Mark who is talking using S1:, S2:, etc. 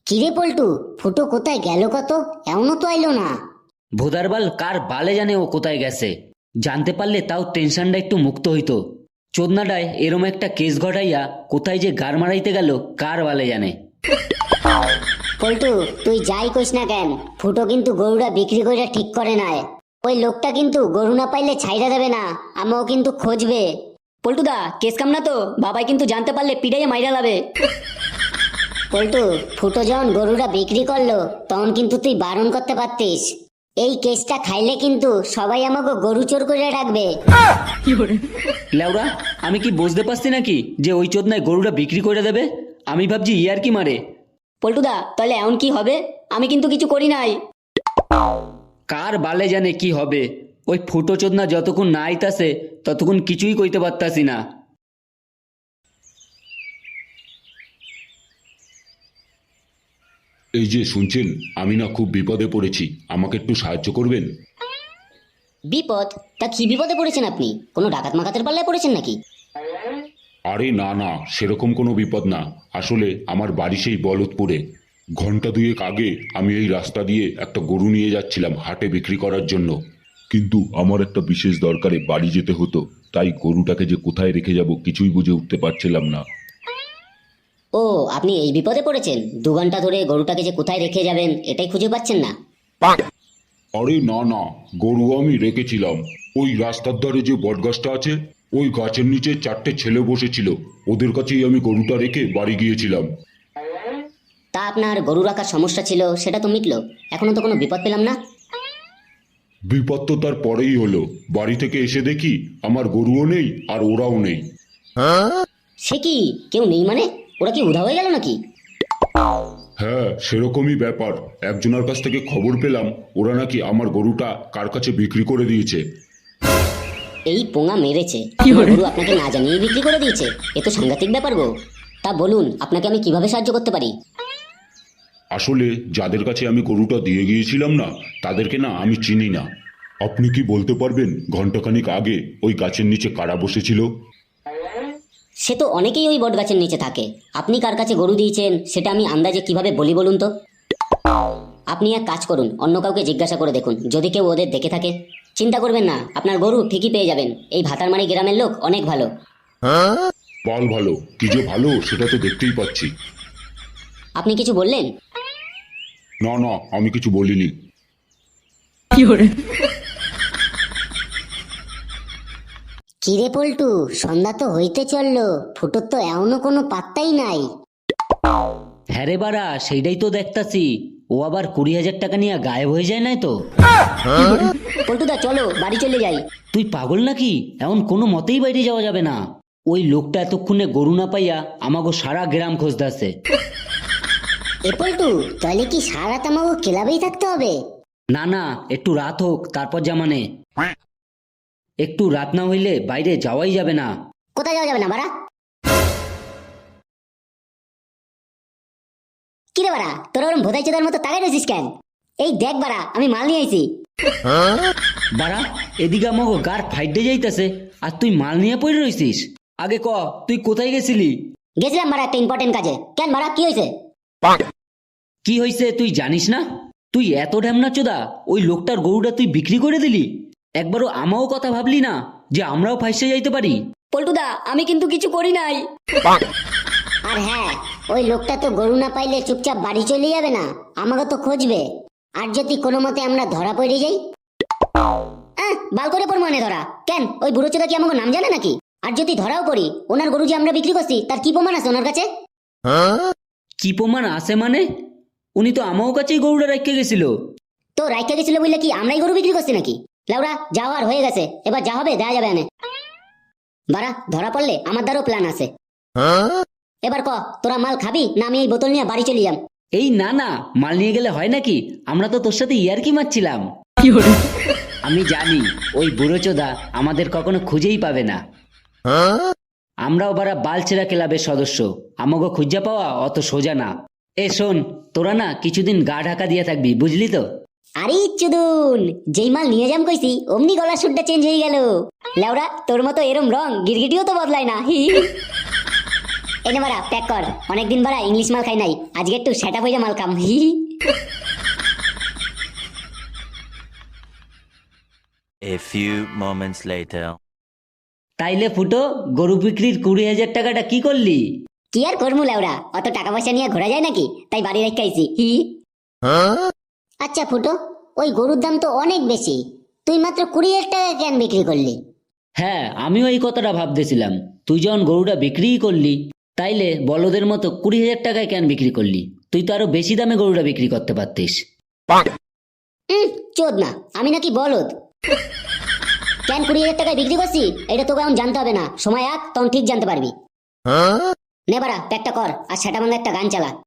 S1: কিরে পল্টু, ফুটো কোথায় গেল? কত এমনও তো আইলো না।
S2: ভোদারবাল কার বালে জানে ও কোথায় গেছে। জানতে পারলে তাও টেনশনটা একটু মুক্ত হইতো। চোদনাটায় এরম একটা কেস ঘটাইয়া কোথায় যে গার মারাইতে গেল কার বালে জানে।
S1: পল্টু, তুই যাই কইস না কেন, ফুটো কিন্তু গরুটা বিক্রি করে ঠিক করে নাই। ওই লোকটা কিন্তু গরু না পাইলে ছাইড়া দেবে না, আমাও কিন্তু খোঁজবে।
S3: পল্টুদা, কেস কাম না তো, বাবাই কিন্তু জানতে পারলে পিড়াইয়া মাইরা লাবে।
S1: পল্টু, ফুটো যখন গরুটা বিক্রি করলো তখন কিন্তু তুই বারণ করতে পারতিস। এই কেসটা খাইলে কিন্তু সবাই আমাকে গরু চোর করে রাখবে।
S2: লেওরা, আমি কি বুঝতে পারছি নাকি যে ওই চোদনায় গরুটা বিক্রি করে দেবে? আমি ভাবছি ইয়ার কি মারে।
S3: পল্টুদা, তাহলে এমন কি হবে? আমি কিন্তু কিছু করি নাই।
S2: কার বালে জানে কি হবে। ওই ফুটো চোদনা যতক্ষণ না আইতাছে ততক্ষণ কিছুই কইতে পারতাছি না।
S4: এই যে শুনছেন, আমি না খুব বিপদে পড়েছি, আমাকে একটু সাহায্য করবেন?
S1: বিপদ? তা কি বিপদে পড়েছেন আপনি? কোনো ডাকাত মাকাতের পাল্লায় পড়েছেন নাকি?
S4: আরে না না, সেরকম কোনো বিপদ না। আসলে আমার বাড়ি সেই বলদপুরে। ঘন্টা দুয়েক আগে আমি এই রাস্তা দিয়ে একটা গরু নিয়ে যাচ্ছিলাম হাটে বিক্রি করার জন্য, কিন্তু আমার একটা বিশেষ দরকারে বাড়ি যেতে হতো। তাই গরুটাকে যে কোথায় রেখে যাব কিছুই বুঝে উঠতে পারছিলাম না।
S1: ও, আপনি এই বিপদে পড়েছেন? 2 ঘন্টা ধরে গরুটাকে যে কোথায় রেখে যাবেন এটাই খুঁজে পাচ্ছেন না?
S4: আরে না না, গরু আমি রেখেছিলাম ওই রাস্তার ধারে যে বটগাছটা আছে, ওই গাছের নিচে 4টে ছেলে বসেছিল, ওদের কাছেই আমি গরুটা রেখে বাড়ি গিয়েছিলাম।
S1: তা আপনার গরু রাখার সমস্যা ছিল সেটা তো মিটলো, এখনো তো কোনো বিপদ পেলাম না।
S4: বিপদ তো তার পরেই হলো। বাড়ি থেকে এসে দেখি আমার গরুও নেই আর ওরাও নেই।
S1: সে কি, কেউ নেই মানে? ওরা কি উধাও হয়ে গেল নাকি?
S4: হ্যাঁ, সেরকমই ব্যাপার। একজনের কাছ থেকে খবর পেলাম ওরা নাকি আমার গরুটা কার কাছে বিক্রি করে দিয়েছে।
S1: এই পোঙা মেরেছে, গরু আপনাকে না জানিয়ে বিক্রি করে দিয়েছে? এ তো সাংঘাতিক ব্যাপার গো। তা বলুন, আপনাকে আমি কিভাবে সাহায্য করতে পারি?
S4: আসলে যাদের কাছে আমি গরুটা দিয়ে গিয়েছিলাম না, তাদেরকে না আমি চিনি না। আপনি কি বলতে পারবেন ঘন্টাখানিক আগে ওই গাছের নিচে কারা বসেছিল?
S1: সে তো অনেকেই ওই বট গাছের নিচে থাকে। আপনি কার কাছে গরু দিয়েছেন সেটা আমি আন্দাজে কিভাবে বলি বলুন তো? আপনি এক কাজ করুন, অন্য কাউকে জিজ্ঞাসা করে দেখুন, যদি কেউ ওদের দেখে থাকে। চিন্তা করবেন না, আপনার গরু ঠিকই পেয়ে যাবেন। এই ভাতারমারি গ্রামের লোক অনেক ভালো।
S4: পাল ভালো কি যে ভালো সেটা তো দেখতেই পাচ্ছি।
S1: আপনি কিছু বললেন?
S4: না না, আমি কিছু বলিনি।
S1: কিরে পল্টু, সন্ধ্যা তো হইতে চললো, ফুটোর তো এমনও কোনো পাত্তাই নাই।
S2: হ্যাঁ রে বাড়া, সেইটাই তো দেখতাছি। ও আবার 20,000 টাকা নিয়ে গায়েব হয়ে যায় নাই তো?
S1: পল্টুদা চলো বাড়ি চলে যাই।
S2: তুই পাগল নাকি? এমন কোনো মতেই বাইরে যাওয়া যাবে না। ওই লোকটা এতক্ষণে গরু না পাইয়া আমাগো সারা গ্রাম খুঁজতেছে।
S1: এ পল্টু, তাহলে কি সারা রাত আমাকে ক্লাবেই থাকতে হবে?
S2: না না, একটু রাত হোক তারপর জামানে। একটু রাত না হইলে বাইরে যাওয়াই যাবে না।
S1: কোথায় যাওয়া যাবে না বাড়া? কিরে বাড়া, তোরা ওরম ভোদাই চোদার মতো তাকাই রয়েছিস কেন? এই দেখ বাড়া, আমি মাল নিয়ে আইছি।
S2: বাড়া, এদিকে আমাগো গার ফাইডে যাইতেছে আর তুই মাল নিয়ে পড়ে রইছিস। আগে ক, তুই কোথায় গেছিলি?
S1: গেছিলাম বাড়া একটা ইম্পর্টেন্ট কাজে। কেন বাড়া, কি হয়েছে?
S2: কি হয়েছে তুই জানিস না? তুই এত ঢ্যামনা চোদা, ওই লোকটার গরুটা তুই বিক্রি করে দিলি। একবারও আমাও কথা ভাবলি না যে আমরাও ফাইসে যাইতে পারি?
S3: পল্টুদা, আমি কিন্তু কিছু করি নাই।
S1: আর হ্যাঁ, ওই লোকটা তো গরু না পাইলে চুপচাপ বাড়ি চলে যাবে না, আমাকে তো খুঁজবে। আর যদি কোনো মতে আমরা ধরা পড়ে যাই, বাল করে পড় মানে ধরা। কেন, ওই বুড়ো চোদা কি আমাকে নাম জানে নাকি? আর যদি ধরাও পড়ি, ওনার গরু যে আমরা বিক্রি করছি তার কি প্রমাণ আছে ওনার কাছে?
S2: কি প্রমাণ আছে মানে? উনি তো আমাও কাছেই গরুটা রেখে গেছিল।
S1: তো রাইখা গেছিল বললে কি আমরাই গরু বিক্রি করছি নাকি? লাউরা, যাওয়ার হয়ে গেছে, এবার যা হবে দেয়া যাবে আনে। বাড়া, ধরা পড়লে আমার দ্বারও প্ল্যান আছে। এবার ক, তোরা মাল খাবি না আমি এই বোতল নিয়ে বাড়ি চলে যাম?
S2: এই না না, মাল নিয়ে গেলে হয় নাকি? আমরা তো তোর সাথে ইয়ারকি মারছিলাম। আমি জানি ওই বুড়ো চোদা আমাদের কখনো খুঁজেই পাবে না। আমরাও বারা বালছেরা ক্লাবের সদস্য, আমাকে খুঁজে পাওয়া অত সোজা না। এ শোন, তোরা না কিছুদিন গা ঢাকা দিয়ে থাকবি, বুঝলি তো?
S1: আরে চুদুন, যেই মাল নিয়ে যাম কইছি অমনি গলার সুরটা চেঞ্জ হয়ে গেল। লেওরা, তোর মতো এরম রং গিরগিটিও তো বদলায় না। এনে বাড়া প্যাক কর, অনেকদিন বাড়া ইংলিশ মাল খাই নাই, আজকে একটু সেটা হয়ে মাল কাম। হি হি।
S5: A few moments later.
S2: তাইলে ফুটো, গরু বিক্রির 20,000 টাকাটা কি করলি?
S1: কি আর করবো লেওরা, অত টাকা পয়সা নিয়ে ঘোরা যায় নাকি, তাই বাড়ি রেখে আইছি। হি হি। আচ্ছা ফুটো, ওই গরুর দাম তো অনেক বেশি, তুই মাত্র 20,000 টাকা কেন বিক্রি করলি?
S2: হ্যাঁ, আমিও এই কথাটা ভাবতেছিলাম। তুই যখন গরুটা বিক্রিই করলি, তাইলে বলদের মতো 20,000 টাকায় কেন বিক্রি করলি? তুই তো আরো বেশি দামে গরুটা বিক্রি করতে পারতিস।
S1: চোদ না, আমি নাকি বলদ? কেন 20,000 টাকায় বিক্রি করছি এটা তোকে এখন জানতে হবে না, সময় আগ তখন ঠিক জানতে পারবি। নে বাড়া প্যাকটা কর, আর সেটা একটা গান চালা।